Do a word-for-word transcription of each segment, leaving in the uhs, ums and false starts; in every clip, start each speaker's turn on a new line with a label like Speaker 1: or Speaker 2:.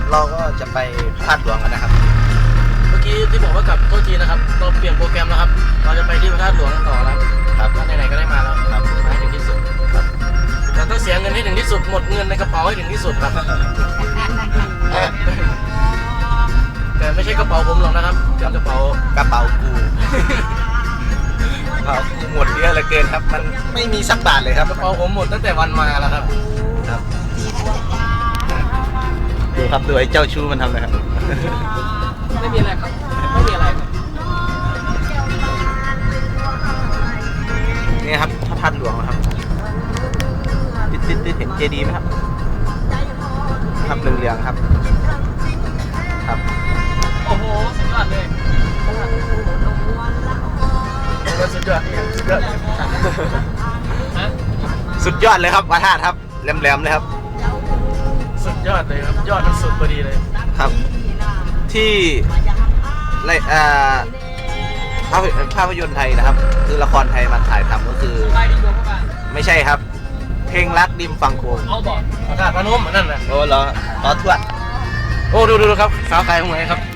Speaker 1: เราก็จะไปพระธาตุหลวงกันนะครับ
Speaker 2: เมื่อกี้ที่บอกว่ากลับโทษทีนะครับเราเปลี่ยนโปรแกรมแล้วครับเราจะไปที่พระธาตุหลวงต่อแล้วครับก็ไหนๆก็ได้มาแล้วครับมาให้ถึงที่สุดครับเราต้องเสียเงินให้ถึงที่สุดหมดเงินในกระเป๋าให้ถึงที่สุดครับแต่ไม่ใช่กระเป๋าผมหรอกนะครับเป็นกระเป๋าก
Speaker 1: ระเป๋ากูกระเป๋ากูหมดเยอะเหลือเกินครับมันไม่มีสักบาทเลยครับ
Speaker 2: กระเป๋าผมหมดตั้งแต่วันมาแล้วครับ
Speaker 1: ครับดูครับดูไอ้เจ้าชู้มันทำเลยครับ
Speaker 2: ไม่มีอะไรครับไม่มีอะไรครับ
Speaker 1: นี่ครับพระธาตุหลวงนะครับติดติดติดเห็นเจดีย์ไหมครับครับเหลืองๆครับครับ
Speaker 2: โอ้โหสุดยอดเลยสุดยอดสุดยอด
Speaker 1: สุดยอดเลยครับพระธาตุครับแหลมๆเลยครับ
Speaker 2: สุดยอดเลยครับยอดมันสุดพอดีเลย
Speaker 1: ครับที่ในอ่าภาพภาพยนตร์ไทยนะครับคือละครไทยมาถ่ายทำก็คือไม่ใช่ครับเพลงรักริมฝั่งโขง
Speaker 2: เอาบอกพระธาตุพนมนั่นน่ะ
Speaker 1: โอ้เหรอขอทวด
Speaker 2: โอ้ดูดูครับสาวไทยตรงไหนครับ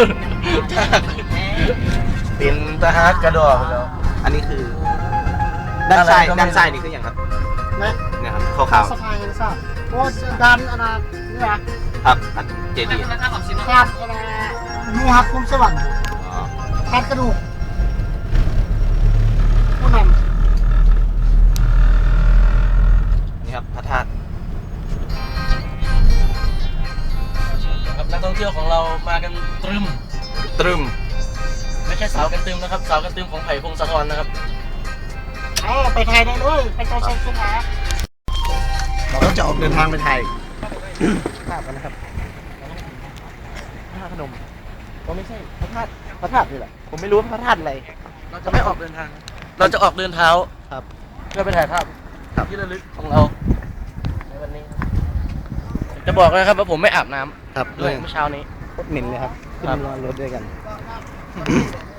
Speaker 1: เป็นทหารกระดอกแล้วอันนี้คือด้านซ้ายด้านซ้ายนี่คืออย่างครับเนี่ยครับขาวๆ
Speaker 3: สะพายเห็นทราบโอ้ดันอันนั้นนี่นะครับ
Speaker 1: เจดีย์
Speaker 3: ครับอะไรมูฮับคุมสวรรค์แทนกระดูกผู้นำ
Speaker 1: นี่ครับพระธาตุ
Speaker 2: ครับนักท่องเที่ยวของเรามากันตรึม
Speaker 1: ตรึม
Speaker 2: ไม่ใช่สาวกันตึมนะครับสาวกันตึมของไผ่พงศธรนะครับ
Speaker 3: อ๋อไปไทยได้ด้วยไปเจ้าเชียงสุขา
Speaker 1: เราก็จะออกเดินทางไปไทยภาพกันนะครับพระธาตุพนมก็ไม่ใช่พระธาตุพระธาตุนี่แหละผมไม่รู้ว่าพระธาตุอะไร
Speaker 2: เราจะไม่ออกเดินทางเราจะออกเดินเท้า
Speaker 1: ครับ
Speaker 2: เพื่อไปถ่ายภาพที่ระลึกของเราในวันนี้จะบอกนะครับว่าผมไม่อาบน้ำ
Speaker 1: ครับ
Speaker 2: ด้วยเมื่อเช้านี้
Speaker 1: โคตรเหม็นเลยครับขึ้นนอนรถด้วยกัน